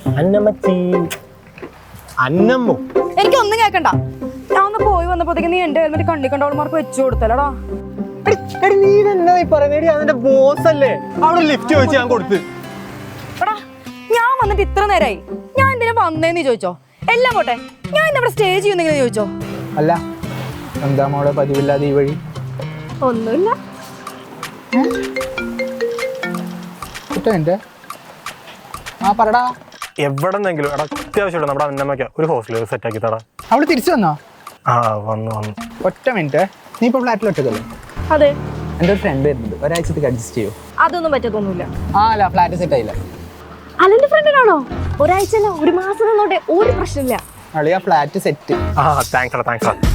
അന്നമ്മച്ചി അന്നമ്മോ എനിക്കൊന്നും കേക്കണ്ട. ഞാൻ ഒന്ന് പോയി വന്നപ്പോഴത്തേക്ക് നീ എന്റെ ഹെൽമെറ്റ് കണ്ണി കണ്ടവൾമാർക്ക് വെച്ചു കൊടുത്തല്ലടാ. നീ തന്നെ പറയുന്നേടി, അതിന്റെ ബോസ് അല്ലേ? അവിടെ ലിഫ്റ്റ് ചോദിച്ചു ഞാൻ കൊടുത്ത്. എടാ ഞാൻ വന്നിട്ട് ഇത്ര നേരമായി, ഞാൻ എന്തിനാ വന്നേന്ന് ചോദിച്ചോ? എല്ലാം പോട്ടെ, ഞാൻ ഇന്നിവിടെ സ്റ്റേ ചെയ്യുന്നെങ്കിലും ചോദിച്ചോ? അല്ല എന്താ മോളെ പതിവില്ലാതെ ഈ വഴി? ഒന്നുമില്ല. പറടാ. എവിടെന്നെങ്കിലും എടാ അത്യാവശ്യമുണ്ട് നമ്മുടെ അന്നമ്മയ്ക്ക് ഒരു ഹോസ്റ്റൽ സെറ്റ് ആക്കി തടാ. അവള് തിരിച്ചു വന്നോ? ആ വന്നു. ഒറ്റ മിനിറ്റ്, നീ ഇപ്പൊ ഫ്ലാറ്റിൽ ഒറ്റക്കല്ലേ? അതെ. എൻ്റെ ഒരു ഫ്രണ്ട് വരുന്നുണ്ട്, ഒരാഴ്ചത്തേക്ക് അഡ്ജസ്റ്റ് ചെയ്യൂ. അതൊന്നും പറ്റത്തൊന്നുമില്ല. അല്ല ഫ്ലാറ്റ് സെറ്റ് ആയില്ല. അല്ലെന്റെ ഫ്രണ്ടിനാണോ? ഒരാഴ്ച അല്ല, ഒരു മാസം നിന്നോട്ടെ, ഒരു പ്രശ്നമില്ല. അളിയാ ഫ്ലാറ്റ് സെറ്റ്. താങ്ക്സ്.